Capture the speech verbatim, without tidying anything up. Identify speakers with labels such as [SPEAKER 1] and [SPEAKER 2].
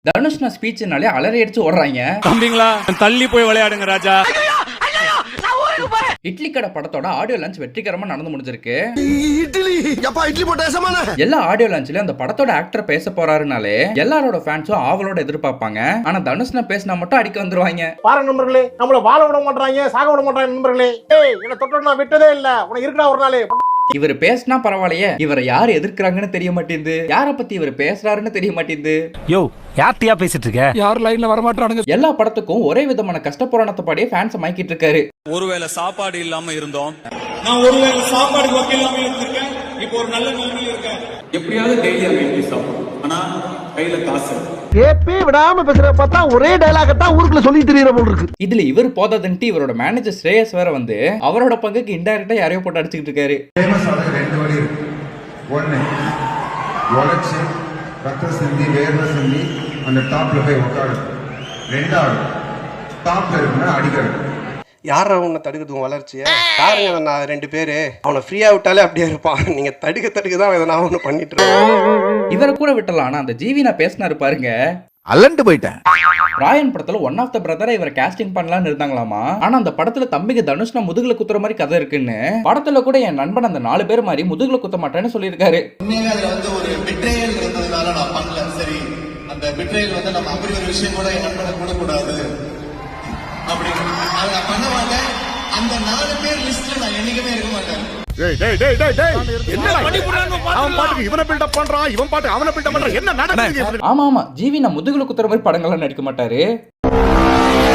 [SPEAKER 1] தனுஷ்னா ஸ்பீச்னாலே அலறி அடிச்சு ஓடுறாங்க.
[SPEAKER 2] தம்பிங்களா தள்ளி போய் விளையாடுங்க ராஜா.
[SPEAKER 1] இட்லி கடை படத்தோட ஆடியோ லான்ச் வெற்றிகரமா நடந்து முடிஞ்சிருக்கு.
[SPEAKER 3] இட்லி எப்பா இட்லி போட்டேசமான
[SPEAKER 1] எல்லா ஆடியோ லான்ச்லயும் அந்த படத்தோட ஆக்டர் பேச போறாருனாலே எல்லாரோட ஃபேன்ஸும் ஆவலோட எதிர்பார்ப்பாங்க. ஆனா தனுஷ்னா பேசினா மட்டும் அடிக்க வந்துருவாங்க.
[SPEAKER 4] பாருங்க நண்பர்களே, நம்மள வாழ விட மாட்டாங்க, சாக விட மாட்டாங்க நண்பர்களே. ஏய் என்ன தொட்டு நான் விட்டதே இல்ல, உனக்கு இருக்கடா ஒரு நாளே.
[SPEAKER 1] இவர் பேசினா பரவாயில்லையே, இவரை யார் எதிர்க்கிறாங்கன்னு தெரிய மாட்டேங்குது, யார பத்தி இவர் பேசுறாருன்னு தெரிய மாட்டேங்குது.
[SPEAKER 5] யோ யார்ட்டியா பேசிட்டு இருக்க?
[SPEAKER 2] யார் லைன்ல வர மாட்டானுங்க.
[SPEAKER 1] எல்லா படத்துக்கும் ஒரே விதமான கஷ்ட புராணத்தை பாடியே ஃபேன்ஸ் மயக்கிட்டு இருக்காரு.
[SPEAKER 6] ஒருவேளை சாப்பாடு இல்லாம இருந்தோம்,
[SPEAKER 7] நான் ஒருவேளை சாப்பாடு வக்க இல்லாம இருந்திருக்கேன், இப்போ ஒரு நல்ல நிலைமையில இருக்கேன்.
[SPEAKER 6] எப்படியாவது டெய்லி அங்க இட்லி சாப்பிடும், ஆனா கையில காசு.
[SPEAKER 3] கேப்பே விடாம பேசுற பார்த்தா ஒரே டயலாக தான் ஊருக்குள்ள சொல்லி தெரியற போல இருக்கு.
[SPEAKER 1] இதுல இவர் போதாதுன்ட்டு இவரோட மேனேஜர் ஸ்ரேயஸ் வேற வந்து அவரோட பங்குக்கு இன்டைரக்டா யாரையோ போட்டு அடிச்சுக்கிட்டு இருக்காரு.
[SPEAKER 8] ஃபேமஸ் ஆன ரெண்டு வழி இருக்கு. ஒன்னு உழைச்சு ரத்த சிந்தி வேர்வை சிந்தி அந்த டாப்ல போய் உட்காரு. ரெண்டாவது டாப்ல இருக்குன்னா அடிக்கிறது.
[SPEAKER 9] யார உன்னை தடுக்கிறது வளர்ச்சிய யாருங்க? நான் ரெண்டு பேரு அவனை ஃப்ரீயா விட்டாலே அப்படியே இருப்பான். நீங்க தடுக்க தடுக்க தான் இதை நான் ஒண்ணு பண்ணிட்டு இருக்கேன்.
[SPEAKER 1] இவரை கூட விட்டலாம். ஆனா அந்த ஜிவி நான் பேசினாரு பாருங்க,
[SPEAKER 3] அலண்டு போயிட்டேன்.
[SPEAKER 1] ராயன் படத்துல ஒன் ஆஃப் த பிரதரை இவரை காஸ்டிங் பண்ணலாம்னு இருந்தாங்களாமா. ஆனா அந்த படத்துல தம்பிக்கு தனுஷ்னா முதுகுல குத்துற மாதிரி கதை இருக்குன்னு, படத்துல கூட என் நண்பன் அந்த நாலு பேர் மாதிரி முதுகுல குத்த மாட்டேன்னு சொல்லியிருக்காரு.
[SPEAKER 7] உண்மையாவே அதுல வந்து ஒரு பிட்ரேயல் இருந்ததுனால நான் பண்ணல. சரி, அந்த பிட்ரேயல் வந்து நம்ம அப்படி ஒரு விஷயம் கூட என் நண்பனை கூடக்கூடாது அப்படின்னு அதை நான் பண்ண மாட்டேன். அந்த நாலு பேர் லிஸ்ட்ல நான் என்னைக்குமே இருக்க மாட்டேன்.
[SPEAKER 1] ஆமா ஆமா ஜிவி நான் முதுகுல குத்துற மாதிரி படங்கள்லாம் நடிக்க மாட்டாரு.